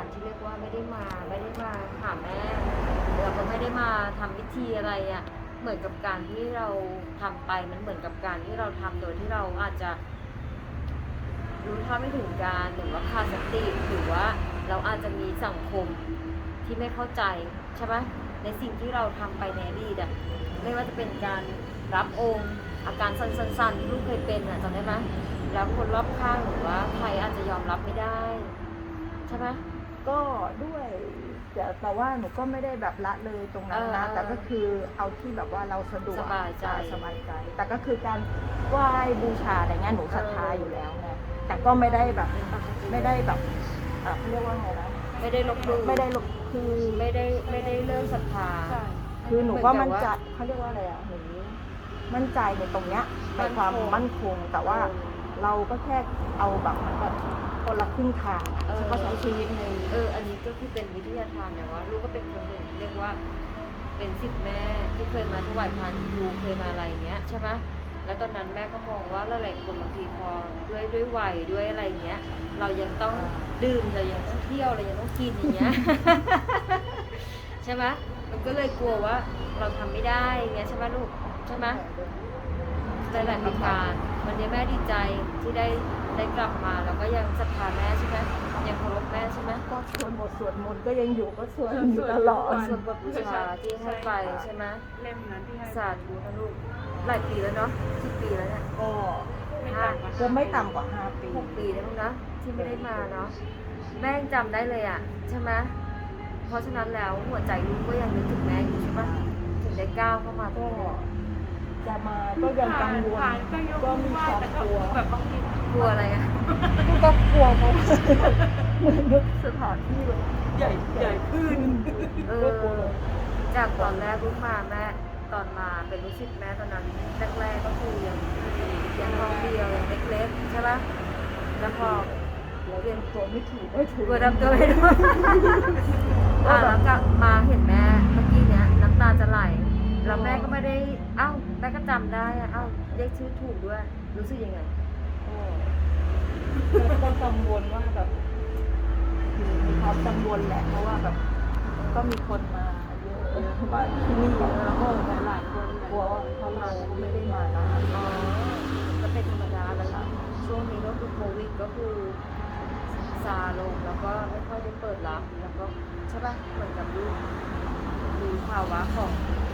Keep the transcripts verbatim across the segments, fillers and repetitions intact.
การที่เรียกว่าไม่ได้มาไม่ได้มาหาแม่เราก็ไม่ได้มาทำพิธีอะไรอะ่ะเหมือนกับการที่เราทำไปมันเหมือนกับการที่เราทำโดยที่เราอาจจะรู้เท่าไม่ถึงการหรือว่าขาดสติหรือว่าเราอาจจะมีสังคมที่ไม่เข้าใจใช่ไหมในสิ่งที่เราทำไปในอดีตอ่ะไม่ว่าจะเป็นการรับองค์อาการสั้นๆที่ลูกเคยเป็นอ่ะจำได้ไหมแล้วคนรอบข้างหรือว่าใครอาจจะยอมรับไม่ได้ใช่ไหมก็ด้วยแต่แต่ว่าหนูก็ไม่ได้แบบละเลยตรงนั้นนะเออแต่ก็คือเอาที่แบบว่าเราสะดวกสบายใจสบายใจ แต่ก็คือการไหว้บูชาอะไรเงี้ยหนูศรัทธาเอออยู่แล้วไงแต่ก็ไม่ได้แบบไม่ได้แบบเอ่อเขาเรียกว่าไงนะไม่ได้ลบหลู่ไม่ได้ลบคือไม่ได้ไม่ได้เลิกศรัทธาคือหนูก็มั่นใจเหมือนกับว่าเขาเรียกว่าอะไรอ่ะหนูมั่นใจในตรงเนี้ยในมั่นคงความมั่นคงแต่ว่าเออเราก็แค่เอาแบบเหมือนแบบคนละครึ่งทางเออก็ใช้ชีวิตในเอออันนี้ก็คือเป็นวิทยาทานนะว่าลูกก็เป็นคนหนึ่งเรียกว่า เป็นศิษย์แม่ที่เคยมาถวายพานครูเคยมาอะไรอย่างเงี้ยใช่ไหมแล้วตอนนั้นแม่ก็มองว่าหลายๆคนบางทีพอด้วยด้วยวัยด้วยอะไรอย่างเงี้ย เรายังต้องดื่มเรายังต้องเที่ยวเรายังต้องกินอย่างเงี้ย ใช่ไหมมันก็เลยกลัวว่าเราทำไม่ได้อย่างเงี้ยใช่ไหมลูกใช่ไหมหลายๆประการวันนี้แม่ดีใจที่ได้ได้กลับมาแล้วก็ยังศรัทธาแม่ใช่ไหมยังเคารพแม่ใช่ไหมก็สวดบทสวดมนต์ก็ยังอยู่ก็สวดอยู่ตลอดส่วนบทบูชาที่ให้ไปใช่ไหมเล่มนั้นที่ให้สาธุนะลูกหลายปีแล้วเนาะสิบปีแล้วเนี่ยก็ห้าก็ไม่ต่ำกว่าห้าปีหกปีแล้วมั้งนะที่ไม่ได้มาเนาะแม่ยังจำได้เลยอ่ะใช่ไหมเพราะฉะนั้นแล้วหัวใจลูกก็ยังนึกถึงแม่อยู่ใช่ปะถึงได้ก้าวเข้ามาตรก็งนี้จะมาก็ยังกังวลผ่านก็ยกก็มืมีอไหว้ความแต่ก็กลัวแบบบางทีกลัวอะไรอ่ะก็กลัวเพราะว่าเหมือนนึกสถานที่แบบใหญ่ใหญ่ขึ้นเอก็อกลัวจากตอนแรกลูกมาแม่ตอนมาเป็นลูกศิษย์แม่ตอนนั้นแรกๆก็คือยังยังห้องเดียวยังเล็กๆใช่ปะแล้วพอเราเรียนตัวไม่ถูกไม่ถูกกลัวดำตัวไม่รู้ อ่าแล้วก็มาเห็นแม่เมื่อกี้เนี้ยน้ำตาจะไหลแล้วแม่ก็ไม่ได้เอ้าแม่ก็จำได้อะเอ้าเรียกชื่อถูกด้วยรู้สึกยังไงก็ก็กังวลว่าแบบคือมีความกังวลแหละเพราะว่าแบบก็มีคนมาเยอะว่าที่นี่แล้วก็หลายคนกลัวว่าเขาเราไม่ได้มานานอ๋อก็เป็นธรรมดาแล้วล่ะช่วงนี้ก็คือโควิดก็คือซาลงแล้วก็ไม่ค่อยได้เปิดรับแล้วก็ใช่ปะเหมือนกับดูดูภาวะของ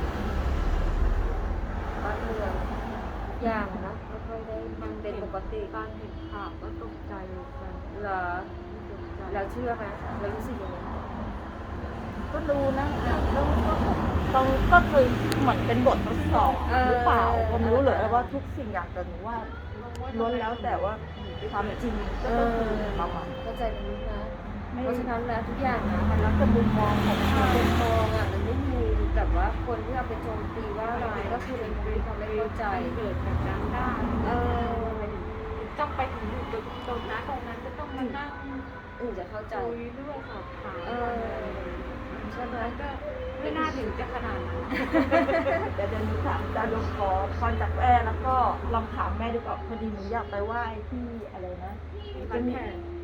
บ้านเมืองทุกอย่างนะไม่ค่อยได้มันเป็นปกติการเห็นข่าวก็ตกใจเหมือนกันเหรอตกใจแล้วเชื่อไหมแล้วรู้สึกยังไงก็ดูนะแล้วก็ต้องก็คือเหมือนเป็นบททดสอบหรือเปล่าก็ไม่รู้เลยว่าทุกสิ่งอย่างแต่หนูว่าล้วนแล้วแต่ว่าความจริงก็คือประมาณเข้าใจมันรู้นะไม่เพราะฉะนั้นแล้วทุกอย่างนะมันแล้วแต่มุมมองของใครคนมองอ่ะมันไม่มีแต่ว่าคนที่เอาไปโจมตีว่าร้ายก็คือเป็นคนที่เขาไม่เข้าใจเกิดแบบนั้นได้เออต้องไปถึงอยู่ตรงนั้นตรงนั้นจะต้องมานั่งอื่นจะเข้าใจคุยด้วยสอบถามเออใช่ไหมมันก็ไม่น่าถึงจะขนาดนั้นแต่เดี๋ยวหนูถามจะลงขอพรจากแม่แล้วก็ลองถามแม่ดูก่อนพอดีหนูอยากไปไหว้ที่อะไรนะบ้านแขก